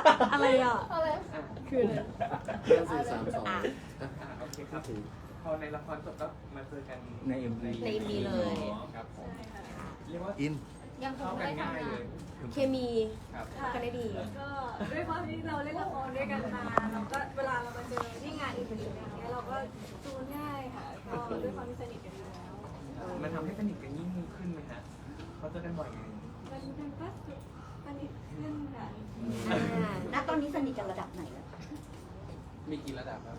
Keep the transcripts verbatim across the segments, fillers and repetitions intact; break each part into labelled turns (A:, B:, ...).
A: อะไรอ่ะ
B: อะไร
A: คืออะไร
C: ห้าสี่สามสอง
A: อ่ะ
D: อ่าโอเคครับพอในละครจบก็มาเจอกัน
E: ในเอ็มวี
A: ใน เอ็ม วี เลย
D: ครับผมเรียกว่า
C: อิน
B: ยังค
D: เข้าง กัน
B: ได้
D: ง่าย
B: ทำงา
D: เล
B: น
D: ย
A: เคมี
D: ครับ
A: เข้ากันได้ดี
F: ก็ด้วยความที่เราเล่นละครด้วยกันมาเราก็เวลาเรามาเจอที่งานอีเวนต์อย่างเงี้ยเราก็จูนง่ายค่ะก็ด้วยความที่สนิทกันอยู่แล้ว
D: มันทำให้สนิทกันยิ่งขึ้นไหมฮะเขาเจอกันบ่อยไง
F: มันเป็นก็สนิทขึ้นค่ะ
A: ณตอนนี้สนิทกันระดับไหนแล้ว
G: มีกี่ระดับครับ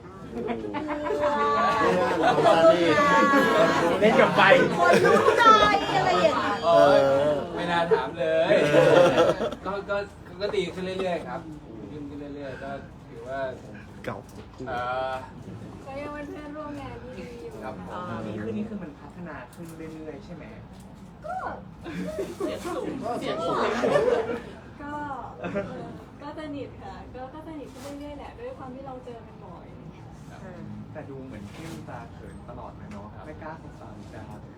E: เล่นกับไฟ
A: คนรู้ใจอะไรอย่างเงี้ย
G: โอ้ยไม่น่าถามเลย ก็ก็ก็ดีขึ้นเรื่อยๆครับขึ้นขึ้นเรื่อยๆ ก็ถือว่า
C: เก่า
G: เอ่อ
F: ก็ยังเป็นเพื่อนร่วมงานที่ดีอยู่
G: ครับผม
D: นี่คือนี่คือมันพัฒนาขึ้นเรื่อยๆใช่ไหม
F: ก็
C: ก็เสียงสูง
F: ก็ก็สนิทค่ะก็ก็สนิทขึ้นเรื่อยๆแหละด้วยความที่เราเจอกันบ่อย
D: แต่ดูเหมือนเข้มตาเขินตลอดเลยเนาะไม่กล้าสงสารดาเลย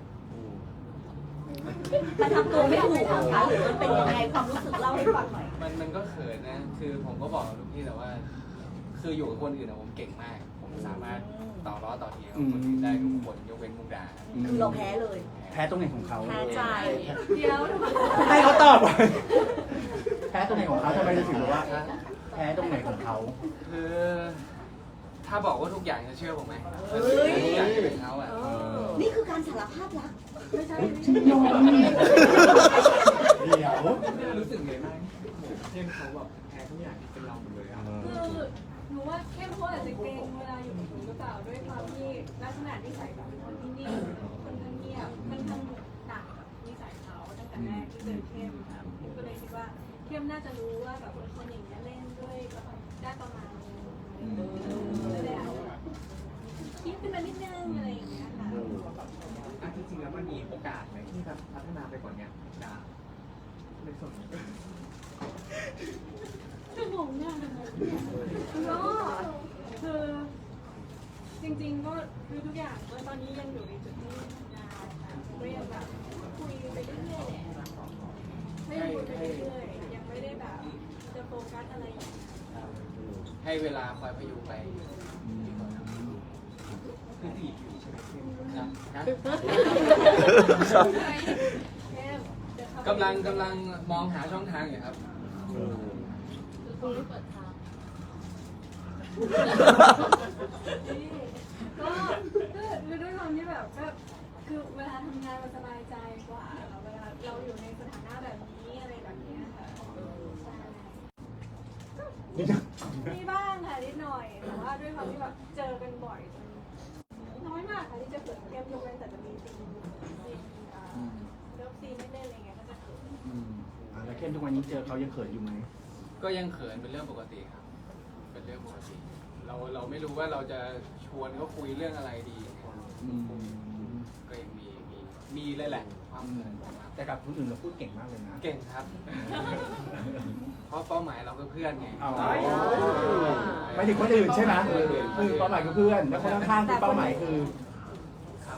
A: มันทำตัวไม่ถูกเหรอคะหรือมันเป็นยังไงความรู้สึกเล่าให้ฟังหน่อย
G: มันมันก็เขินนะ คือผมก็บอกกับลูกพี่แต่ว่า คืออยู่กับคนอื่นอะผมเก่งมาก ผมสามารถต่อล้อต่อเทียงกับคนอื่นได้ทุกคนยกเว้นมุกดา
A: คือเราแพ้เลย
E: แพ้ตรงไหนของเขา
A: แพ้ใจ
F: เดี๋ยว
E: ให้เขาตอบแพ้ตรงไหนของเขาทำไมถึงบอกว่าแพ้ตรงไหนของเขา
G: คือถ้าบอกว่าทุกอย่างจะเชื่อผมไหม
A: เฮ้ย
G: ทุกอย่างจะเป็นเขาอะ
A: นี่คือการสารภาพรัก
F: ไม่ใช่
E: ยอมเดี๋ยว
D: รู้สึกไงบ้างเข้มเขาแบบแพ้ทุกอย่างที่เป็นเราหมดเลยอ่ะ
F: คือหนูว่าเข้มเขาอาจจะเกรงเวลาอยู่กับหนูหรือเปล่าด้วยความที่ลักษณะนิสัยแบบเป็นคนที่นิ่งคนข้างเงียบมันทำต่างกับนิสัยเขาตั้งแต่แรกที่เจอเข้มค่ะก็เลยคิดว่าเข้มน่าจะรู้ว่าแบบคนอย่างนี้ยเล่นด้วยได้ประมาณนึงเลยอาจจะคิดขึ้นมานิดนึงอะไรอย่างเงี้ยค่ะ
D: อ่ะจริงๆแล้วมันมีโอกาสไหมที่จะพัฒนาไปกว่านี้ดาในส่วนนี้
F: จะงงมากเลยก็คือจริงๆก็คือทุกอย่างก็ตอนนี้ยังอยู่ในจุดที่ทำงานค่ะก็ยังแบบคุยไปเรื่อยๆแหละให้คุยไปเรื่อยๆยังไม่ได้แบบจะโฟกัสอะไรอย่างเงี้ย
G: ให้เวลาคอยพยุงไปดีกว่าครับ
D: คือจีบอยู่ใช่ไหมเข้ม
G: นะนะ
F: แค่เดี๋ยวเขาไป
G: กำลังกำลังมองหาช่องทางอยู่ครับ
F: ก็ก็คือด้วยความที่แบบก็คือเวลาทำงานมันสบายใจกว่าเวลาเราอยู่ในสถานะแบบนี้อะไรแบบนี้ค่ะใช่มีบ้างค่ะนิดหน่อยแต่ว่าด้วยความที่แบบเจอกันบ่อยน้อยมากค่ะที่จะเกิดเกมยกเว้นแต่จะมีซีนซีนเลิฟซีนไม่เล่นอะไรเงี้ยก็จะเกิด
E: อืมอ่ะแล้วเข้มทุกวันนี้เจอเขายังเขินอยู่ไหม
G: ก็ยังเขินเป็นเรื่องปกติครับ เป็นเรื่องปกติ เราเราไม่รู้ว่าเราจะชวนเขาคุยเรื่องอะไรดี
E: อืม
G: ก็ยังมีมีมีเลยแหละความเขินของเรา
E: แต่กับคนอื่นเราพูดเก่งมากเลยนะ
G: เก่งครับ เพราะเป้าหมายเราคือเพื่อนไง
E: อ๋อไม่ถึงคนอื่นใช่ไหมคือเป้าหมายคือเพื่อน แล้วคนข้างๆคือเป้าหมายคือ
G: ครับ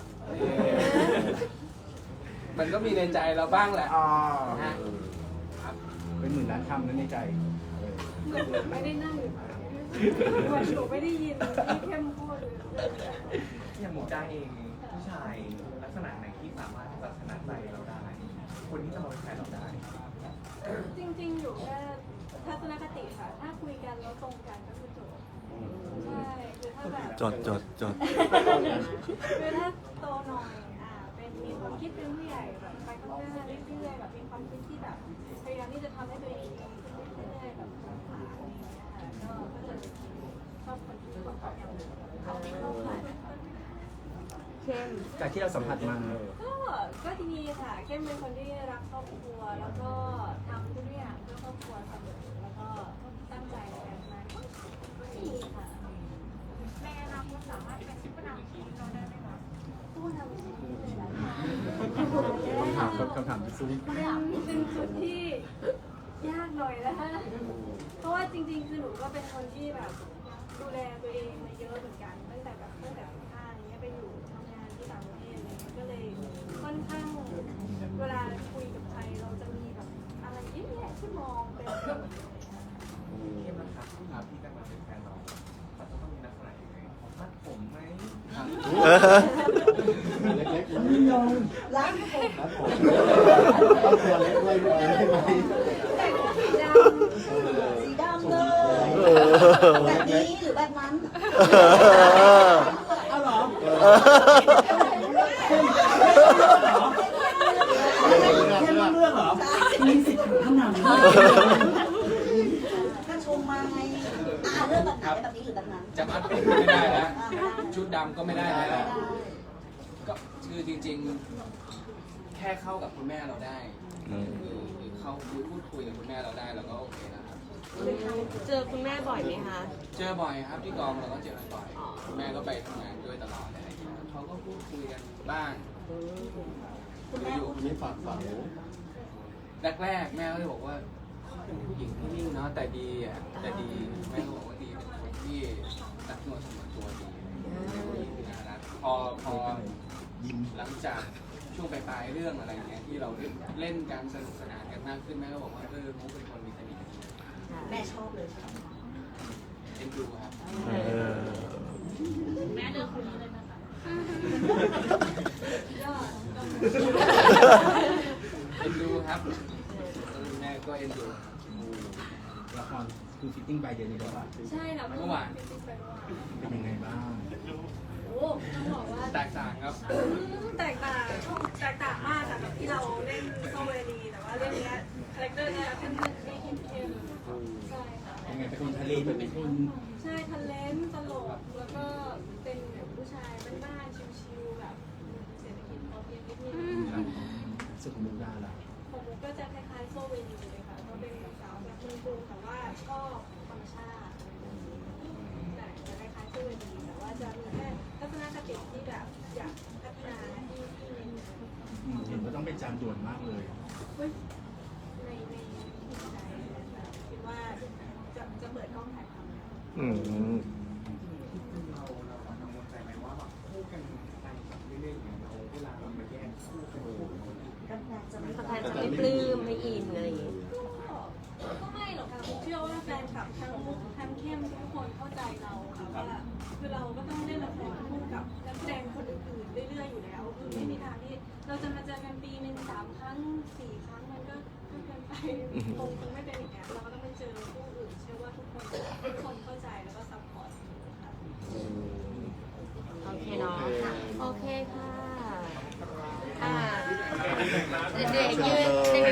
G: มันก็มีในใจเราบ้างแหละ
E: อ๋อ
G: ฮะครับ
E: เป็นหมื่นล้านคำนั้นในใจ
F: เหมือนหนูไม่ได้นั่งอยู่เหมือนหนูไม่ได้ยินที่เข้มพูดเลย
D: อย่างหมูจ้าเองผู้ชายลักษณะไหนที่สามารถที่จะชนะใจเราได้ คนที่จะมาเป็นแฟนเราได้
F: จริงๆ อยู่แค่ทัศนคติค่ะ ถ้าคุยกันแล้วตรงกันก็คือจบใช่คือถ้าแบบ
C: จดจดจด
F: คือถ้าโตหน่อยอ่าเป็นมีความคิดเป็นผู้ใหญ่แบบไปข้างหน้าเรื่อยๆแบบมีความคิดที่แบบพยายามที่จะทำให้ตัวเองดีขึ้นเรื่อยๆแบบผ่านอะไรอย่างเงี้ยค่ะก็ก็จะชอบคนที่มีความพยายามเขาไม่เข้าผ่าน
A: เข้ม
E: จากที่เราสัมผัสมา
F: ก็ก็ดีค่ะเข้มเป็นคนที่รักครอบครัวแล้วก็ทำทุกอย่างเพื่อครอบครัวเสมอแล้วก็ตั้งใจในการทำงานก็ดีค่ะในอนาคตสามารถเป็นผู้นำทีมเราได้ไหมคะผู้นำทีมเลยนะ
E: คำถามคำถามที่ซุ้ม
F: เป็นเป็นจุดที่ยากหน่อยนะคะเพราะว่าจริงๆคือหนูก็เป็นคนที่แบบดูแลตัวเองมาเยอะเหมือนกันตั้งแต่แบบตั้งแต่สิบห้าอย่างเงี้ยไปอยู่ทำงานที่ต่างประเทศอะไรเงี้ยก็เลยค่อนข้างเวลาคุยกับใครเราจะมีแบบอะไรเยอะแยะที่มองเป็น
D: เข้ม
C: เล็กๆ
E: ยิ่งยง
A: รักผม
C: ครับผมต้องตัวเล็กด้วยได้ไหม
F: แต่งสีด
A: สีดำเลยแบบนี้หรือแบบนั้น
E: เอาเหรอ แค่เรื่องเรื่องเหรอ มีสิทธิ์ถึงขนาดนี้
A: ถ้าชมมาไงอ่าเรื่องแบบไหนแบบนี้หรือแบบนั้น
G: จะมัดเป็นไม่ได้แล้วชุดดำก็ไม่ได้แล้ว ก็คือจริงๆ แค่เข้ากับคุณแม่เราได้หรือหรือเข้าคุยพูดคุยกับคุณแม่เราได้เราก็โอเคแล้วครับ
B: เจอคุณแม่บ่อยไหมคะ
G: เจอบ่อยครับที่กองเราก็เจอกันบ่อยคุณแม่ก็ไปทำงานด้วยตลอดอะไรอย่างเงี้ยเขาก็พูดคุยกันบ้าง
A: คุณแม่
G: อยู่
C: มีฝากฝัง
G: แรกๆแม่ก็เลยบอกว่าเขาเป็นผู้หญิงที่นิ่งเนาะแต่ดีอ่ะแต่ดีแม่ก็บอกว่าดีเป็นคนที่รักนวลสมวนตัวดีผู้หญิงที่น่ารักพอพอหลังจากช่วงปลายๆเรื่องอะไรเงี้ยที่เราเล่นกันสนุกสนานกันมากขึ้นแม่ก็บอกว่าเออมุกเป็นคนมีเสน่ห์ดี
A: แม่ชอบเลยใช่ไหม
G: เอ็นดูครับ
F: ำแม่เลือกคนนี้เลยนะคะยอด
G: เอ็นดูครับเออแม่ก็เอ็นดู
E: ละครคือฟิตติ้งไปเดือนนี้แล้วอะ
F: ใช่ค่ะ
G: เมื่อวาน
E: เป็นยังไงบ้าง
F: โอ้ต้องบอกว่า
G: แตกต่างครับ
F: แตกต่างแตกต่างมากจากที่เราเล่นโซเวลีแต่ว่าเรื่องนี้คาแรคเตอร์เนี่ยเป็นคนที่เข้มๆใช่ค่ะ
E: ยังไงเป็นคนทะเลเป็นคน
F: ใช่ทันเลนตลกแล้วก็เป็นแบบผู้ชายบ้านๆชิวๆแบบเศรษฐกิจพอเพียงนิดนึง
E: สุขมุกดาล่ะ
F: ของมุกก็จะคล้ายๆโซเวลีเลยค่ะก็เป็นสาวแบบเมืองกรุงแต่ว่าก็ธรรมชาติแต่จะคล้ายๆโซเวลีแต่ว่าจะมีแค่ทัศนคติที่แบบอยากพัฒนาที่ที่เน้น
E: อืมเห็นว่าต้องเป็นจานด่วนมากเลย
F: เฮ้ยในในจิตใจแบบคิดว่าจะจะเปิดกล้องถ่ายทำ
C: อืม
D: เราเรากังวลใจไหมว่าแบบคู่กันไปแบบเรื่อยๆอย่างเราเวลาเรามาแยกคู่กันคู่กัน
A: ก็แพลนจะไม่
B: สะพานจะไม่ปลื้มไม่อินอะไรอย่างเงี้ย
F: ก็ก็ไม่หรอกค่ะผมเชื่อว่าแฟนคลับทั้งมุกทั้งเข้มทุกคนเข้าใจเราค่ะว่าคือเราก็ต้องเล่นละครคู่กับนักแสดงคนอื่นๆเรื่อยๆอยู่แล้วคือไม่มีทางที่เราจะมาเจอกันปีหนึ่งสามครั้งสี่ครั้งมันก็ก็เกินไปคงคงไม่เป็นอย่างเงี้ยเราก็ต้องไปเจอคู่อื่นเชื่อว่าทุกคนทุกคนเข้าใจแล้วก็ซัพพอร์ตค่ะ
B: โอเคเนาะโอเคค่ะ อ่าเด็กๆยืน